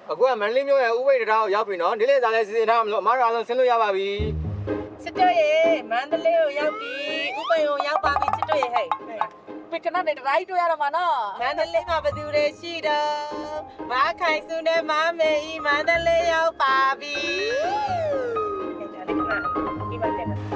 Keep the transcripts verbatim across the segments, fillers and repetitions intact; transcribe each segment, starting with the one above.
အခုကမန္တလေးမြို့ရဲ့ဥပိ္ပဒရာကိုရောက်ပြီနော်ဒီလေစားလဲစီစဉ်ထားမလို့အမားတို့အားလုံးဆင်းလို့ရပါပြီစစ်တော့ရေမန္တလေးကိုရောက်ပြီဥပ္ပယုံရောက်ပါပြီစစ်တော့ရေဟဲ့ပိကနနဲ့တိုင်းတွေ့ရတော့မှာနော်မန္တလေးမှာဘယ်သူတွေရှိတော့မခိုင်စုနဲ့မမေဤမန္တလေးရောက်ပါပြီဒါလေးကဒီမှာတက်မှာ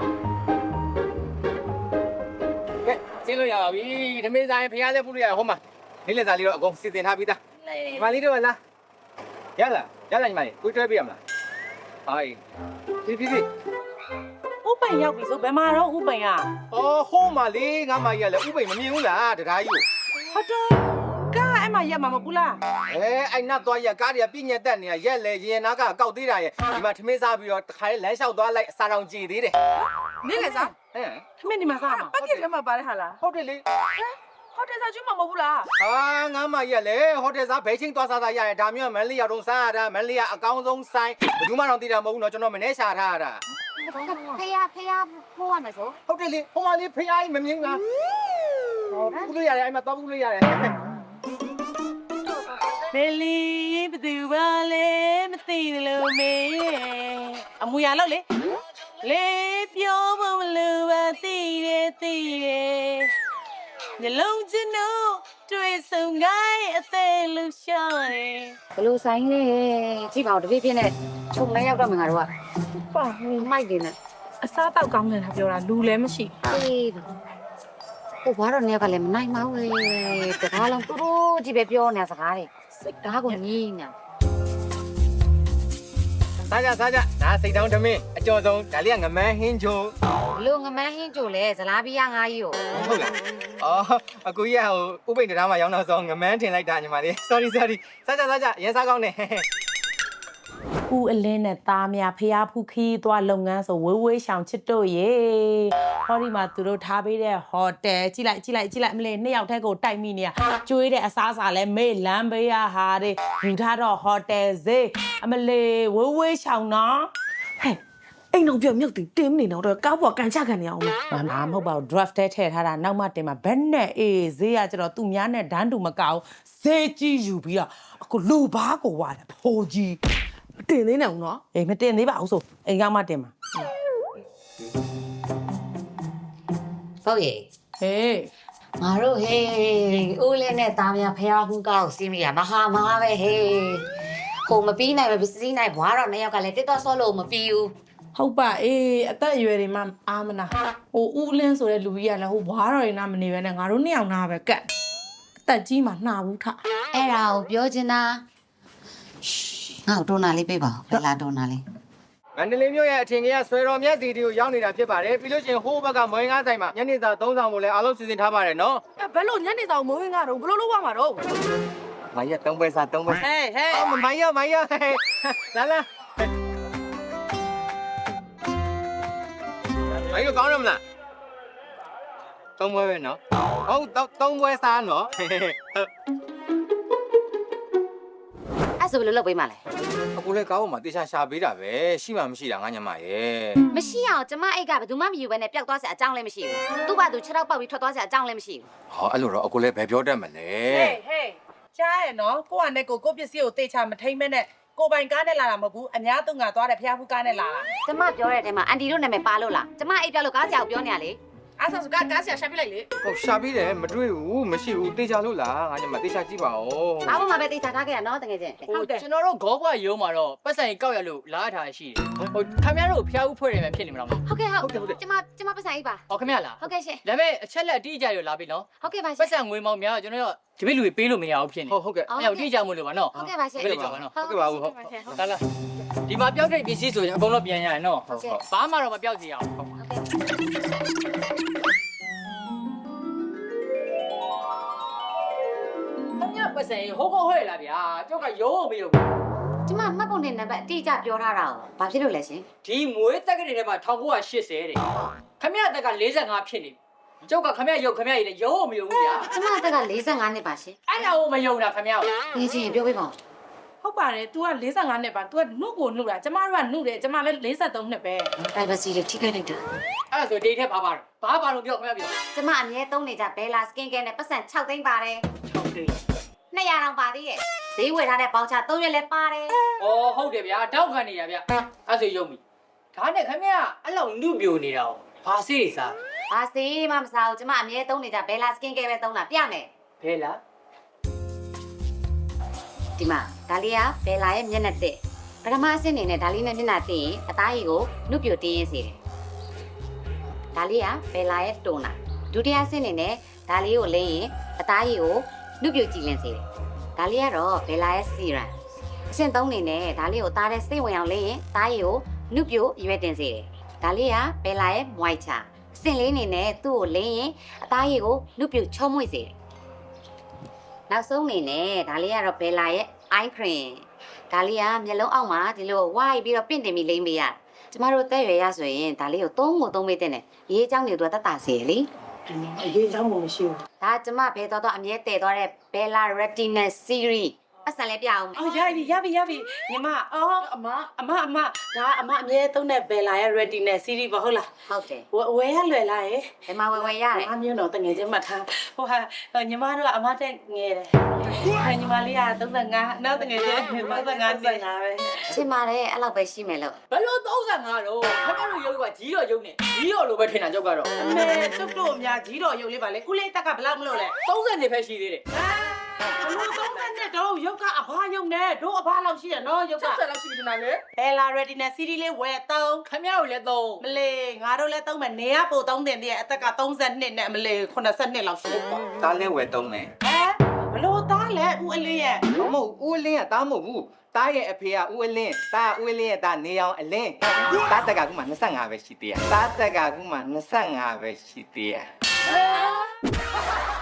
ကဲဆင်းလို့ရပါပြီဓမေးဆိုင်ဖျားလဲပုလို့ရဟိုမှာဒီလေစားလေးတော့အကုန်စီစဉ်ထားပြီးသားညီမလေးတို့လားရလားရလားညီမလေးကိုတွဲပြရမလားဟိုင်းဒီဒီဒီဥပ္ပယရောက်ပြီဆိုဘယ်မှာတော့ဥပ္ပယအော်ဟိုးမှာလေးငါမကြီးကလည်းဥပိ္ပမမြင်ဘူးလားတရားကြီးဟုတ်တော့ကားအဲ့မှာရက်မှာမဟုတ်လားအဲအဲ့နတ်သွားရက်ကားတွေကပြည့်ညက်တက်နေတာရက်လေရင်နာကကောက်သေးတာရဲ့ဒီမှာထမင်းစားပြီးတော့တခါလေးလမ်းလျှောက်သွားလိုက်အစာတောင်ကြည်သေးတယ်နင်းလေစားဟမ်ထမင်းဒီမှာစားမှာပတ်ကစ်ထဲမှာပါတဲ့ဟာလားဟုတ်တယ်လေဟိုတယ်စားကျွမမဟုတ်ဘူးလားဟာငါမကြီးကလည်းဟိုတယ်စားဘဲချင်းသွားစားစားရတယ်ဒါမျိုးကမန်လေးရောက်တော့စားရတာမန်လေးကအကောင်းဆုံးဆိုင်ဘယ်သူမှတော့သိတာမဟုတ်ဘူးเนาะကျွန်တော်မနေရှာထားရတာဖေးရဖေးရဖိုးရမယ်ဆိုဟုတ်တယ်လေဟိုမှာလေးဖျားကြီးမမြင်လားဟောပူလို့ရတယ်အဲ့မှာသွားပူလို့ရတယ်ဘယ်လီဘသူပါလဲမသိတယ်လို့မေအမူအရာလို့လေလေပြောဖို့မလိုပါသိတယ်သိတယ်ညလုံးချင်တော့တွေ့ဆုံခိုင်းအသေးလူရှာတယ်ဘလို့ဆိုင်လဲကြည့်ပါဦးတပြည့်ပြည့်နဲ့ခြုံလဲရောက်တော့မှငါတို့ကပါမိုက်တယ်နဲ့အစားတောက်ကောင်းတယ်လားပြောတာလူလည်းမရှိအေးဟိုဘာတော့နေကလည်းမနိုင်ပါဘူးတကားလုံးတူတူကြီးပဲပြောနေစကားတွေစိတ်ဓာတ်ကိုညင်းနေစားကြစားကြဒါစိတ်တောင်းဓမင်းအကျော်ဆုံးဒါလေးကငမန်းဟင်းချိုလူငမန်းဟင်းချိုလဲဇလားပီးရငါးကြီးကိုဟုတ်လားအော်အကူကြီးကဟိုဥပိ္ပဒရာမှာရောက်တော့ဆိုငမန်းထင်လိုက်တာညီမလေး sorry sorry စားကြစားကြရင်းစားကောင်းနေဦးအလင်းနဲ့သားများဖျားဖူးခီးသွားလုပ်ငန်းဆိုဝေးဝေးရှောင်ချစ်တို့ရေဟောဒီမှာသူတို့ထားပေးတဲ့ဟိုတယ်ကြည့်လိုက်ကြည့်လိုက်ကြည့်လိုက်မလေးနှစ်ယောက်တည်းကိုတိုက်မိနေရကျွေးတဲ့အစားအစာလဲမေ့လမ်းပေးရဟာတွေယူထားတော့ဟိုတယ်ဈေးအမလေးဝေးဝေးရှောင်နော်ဟဲ့အိမ်တော့ပြောမြုပ်တင်တင်းနေတော့ကောက်ပေါ်ကန်ချခံနေအောင်မမမဟုတ်ပါဘူး draft ထဲထည့်ထားတာနောက်မှတင်မှာဘက်နဲ့အေးဈေးကကျတော့သူများနဲ့ဒန်းတူမကောက်ဈေးကြီးယူပြီးတော့အခုလူဘာကိုဝါတယ်ဖိုးကြီးတင်သေးနေအောင်နော်အေးမတင်သေးပါဘူးဆိုအိမ်ကမှတင်မှာဟုတ်ရဲ့ဟေးငါတို့ဟေးဦးလေးနဲ့သားများဖျားဖူးကောက်စီးမိရမဟာမဟာပဲဟေးဟိုမပြီးနိုင်ပဲပစ္စည်းနိုင်ဘွားတော့နှစ်ယောက်ကလည်းတစ်တော့ဆော့လို့မပြီးဘူးဟုတ်ပါအေးအသက်အရွယ်တွေမှအာမနာဟိုဦးလင်းဆိုတဲ့လူကြီးကလည်းဟိုဘွားတော်တွေနာမနေပဲနဲ့ငါတို့နှစ်ယောက်နာပဲကတ်အသက်ကြီးမှနှာဘူးထအဲ့ဒါကိုပြောချင်တာငါ့ဒေါ်နာလေးပေးပါဦးဘယ်လာဒေါ်နာလေးမန္တလေးမြို့ရဲ့အထင်ကြီးဆွေတော်မြတ်စီတီကိုရောက်နေတာဖြစ်ပါတယ်ပြီးလို့ရှိရင်ဟိုးဘက်ကမွေးငါးဆိုင်မှာညနေစာသုံးဆောင်ကိုလည်းအားလုံးစီစဉ်ထားပါတယ်နော်ဘယ်လိုညနေစာမိုးဝင်းကတော့ဘယ်လိုလုပ်ရမှာတော့မိုင်းရသုံးပွဲစားသုံးပွဲဟဲ့ဟဲ့အော်မိုင်းရမိုင်းရလာလာမိုင်းရကောင်းရမလားသုံးပွဲပဲနော်ဟုတ်သုံးပွဲစားနော်အဲ့ဆိုဘယ်လိုလုပ်ပေးမှလဲအခုလည်းကောင်းမှာတေချာရှာပေးတာပဲရှိမှမရှိတာငါညမရဲ့မရှိအောင်ကျမအိတ်ကဘယ်သူမှမယူဘဲနဲ့ပျောက်သွားစရာအကြောင်းလည်းမရှိဘူးသူ့ဘာသူခြေထောက်ပေါက်ပြီးထွက်သွားစရာအကြောင်းလည်းမရှိဘူးဟောအဲ့လိုတော့အခုလည်းဘယ်ပြောတတ်မလဲဟေးဟေးကြားရနော်ကိုကနဲ့ကိုကိုပစ္စည်းကိုတေချာမထိမ့်မဲနဲ့ကိုပိုင်ကားနဲ့လာတာမဟုတ်ဘူးအများသူငါသွားတယ်ဖျားဖူးကားနဲ့လာတာကျမပြောတဲ့အချိန်မှာအန်တီတို့နာမည်ပါလို့လားကျမအိတ်ပြောလို့ကားဆရာကိုပြောနေရလေအဲ့ဆိုကားကားဆရာရှာပြလိုက်လေဟုတ်ရှာပြီးတယ်မတွေ့ဘူးမရှိဘူးတေချာလို့လားငါညမတေချာကြည့်ပါဦးအားလုံးမှာပဲတေချာထားခဲ့ရနော်တကယ်ချင်းဟုတ်တယ်ကျွန်တော်တို့ဂေါဘွားရုံးမှာတော့ပတ်စံကောက်ရလို့လားထားရှိတယ်ဟိုခင်ဗျားတို့ဖျားဦးဖွဲ့တယ်ပဲဖြစ်နေမှာလားဟုတ်ကဲ့ဟုတ်ဟုတ်ကျမကျမပတ်စံအိတ်ပါဟောခင်ဗျာလားဟုတ်ကဲ့ရှင်ဒါပေမဲ့အချက်လက်အတိအကျရလာပြီနော်ဟုတ်ကဲ့ပါရှင်ပတ်စံငွေမောင်များကျွန်တော်တို့ဒီပိလူတွေပေးလို့မရဘူးဖြစ်နေဟုတ်ဟုတ်ကဲ့အဲ့တော့အတိအကျမို့လို့ပါနော်ဟုတ်ကဲ့ပါရှင်ဟုတ်ကဲ့ပါနော်ဟုတ်ကဲ့ပါဟုတ်လာလာဒီမှာပျောက်တဲ့ပစ္စည်းဆိုရင်အကုန်လုံးပြန်ရရင်နော်ဘာမှတော့မပျောက်စေရအောင်ဟုတ်ကဲ့ပတ်စံဟိုးဟိုးဟဲ့လာဗျာကျောက်ကရုံးမရုံးကျမမှတ်ပုံနဲ့နံပါတ်အတိအကျပြောထားတာကိုဘာဖြစ်လို့လဲရှင်ဒီမွေးတက်ကလေးထဲမှာ၁၉၈၀တဲ့ခမရတက်က၄၅ဖြစ်နေကျောက်ကခမရရုပ်ခမရရည်လည်းရုံးမရုံးဘူးဗျာကျမတက်က၄၅နှစ်ပါရှင်အဲ့ဒါကိုမယုံတာခမရကိုဒီချင်းပြောပြပါဦးဟုတ်ပါတယ် तू က၄၅နှစ်ပါ तू ကနှုတ်ကိုနှုတ်တာကျမတို့ကနှုတ်တယ်ကျမလည်း၄၃နှစ်ပဲ privacy လေးထိခိုက်လိုက်တာအဲ့ဒါဆိုဒေးထဲဘာပါဘာပါလို့ပြောခမရပြောကျမအမြဲသုံးနေကြ Bella Skin Care နဲ့ပတ်စံ၆သိန်းပါတယ်၆သိန်းနှစ်ရာတောင်ပါသေးရဲ့ဒဈေးဝယ်ထားတဲ့ပေါင်ချသုံးရွက်လည်းပါတယ်။အော်ဟုတ်တယ်ဗျာတောက်ခံနေရဗျ။အဲ့ဆိုရုံပြီ။ဒါနဲ့ခင်ဗျာအဲ့လောက်နုပြိုနေတာ။ဘာစေးတွေစားဘာစီမှမစားဘူးကျမအမြဲသုံးနေကြဘယ်လာစကင်ကဲပဲသုံးတာပြမယ်။ဘဲလားဒီမှာဒါလေးကဘယ်လာရဲ့မျက်နှာတက်ပထမအဆင့်အနေနဲ့ဒါလေးနဲ့မျက်နှာတက်ရင်အသားရည်ကိုနှုတ်ပြတင်းရင်းစေတယ်ဒါလေးကဘယ်လာရဲ့တွန်းတာဒုတိယအဆင့်အနေနဲ့ဒါလေးကိုလင်းရင်အသားရည်ကိုနှုတ်ပြကြည်လင်စေတယ်ဒါလေးကတော့ဘယ်လာရဲ့စီရန်အဆင့်သုံးအနေနဲ့ဒါလေးကိုသားတဲ့စိတ်ဝင်အောင်လင်းရင်သားရည်ကိုနှုတ်ပြရွယ်တင်စေတယ်ဒါလေးကဘယ်လာရဲ့မွိုက်ချာအဆင့်လေးအနေနဲ့သူ့ကိုလင်းရင်အသားရည်ကိုနှုတ်ပြချုံးမွေ့စေတယ်နောက်ဆုံးအနေနဲ့ဒါလေးကတော့ဘယ်လာရဲ့ eye cream ဒါလေးကမျက်လုံးအောက်မှာဒီလိုဝိုင်းပြီးတော့ပင့်တင်ပြီးလိမ့်ပေးရကျမတို့တက်ရွယ်ရဆိုရင်ဒါလေးကိုသုံးကိုသုံးပေးတဲ့နဲ့ရေးချောင်းတွေတော့တတ်တာစေလေအရေးချောင်းမှမရှိဘူးဒါကျမဘဲတော့တော့အမြဲတည်သွားတဲ့ Bella Retina Series အဆန်လေးပြအောင်အော်ရပြီရပြီရပြီညီမအော်အမအမအမဒါအမအမြဲသုံးတဲ့ဘယ်လာရဲ့ ready နဲ့ series ပါဟုတ်လားဟုတ်တယ်ဝဝယ်ရလွယ်လားရေဒီမှာဝယ်ဝယ်ရတယ်အမျိုးတော့တငယ်ချင်းမှတ်ထားဟိုဟာညီမတို့ကအမတက်ငယ်တယ်ဟာညီမလေးကသုံး၅နောက်တငယ်ချင်းသုံး၅နှစ်ပဲချင်ပါတယ်အဲ့လောက်ပဲရှိမယ်လို့။ဘယ်လိုသုံးဆယ်ငါတော့ခင်ဗျားတို့ရုပ်ကကြီးတော့ရုပ်နေကြီးတော့လိုပဲထင်တာကြောက်ကတော့အမေကျုပ်တို့အများကြီးတော့ရုပ်လေးပါလေကုလေးတက်ကဘယ်လောက်မလို့လဲသုံးဆယ်နေပဲရှိသေးတယ်ဘလို့သုံးတဲ့တော့ရုပ်ကအဘရုပ်နဲ့တို့အဘလောက်ရှိရနော်ရုပ်။က၆ဆယ်လောက်ရှိပြီထင်တာလေဘယ်လာ ready နဲ့ series လေးဝယ်သုံး။ခင်ဗျားတို့လည်းသုံးမလေးငါတို့လည်းသုံးမယ်နေရပို့သုံးတင်တည်းအသက်က32နဲ့အမလေး82လောက်ရှိပေါ့တားလဲဝယ်သုံးတယ်ဟဲဘလို့သားလဲဦးအလေးရဲ့မဟုတ်ဦးအလင်းကတားမဟုတ်ဘူးတားရဲ့အဖေကဦးအလင်းတားဦးအလင်းရဲ့တားနေအောင်အလင်းတားတက်ကခုမှ25ပဲရှိသေးတယ်တားတက်ကခုမှ25ပဲရှိသေးတယ်။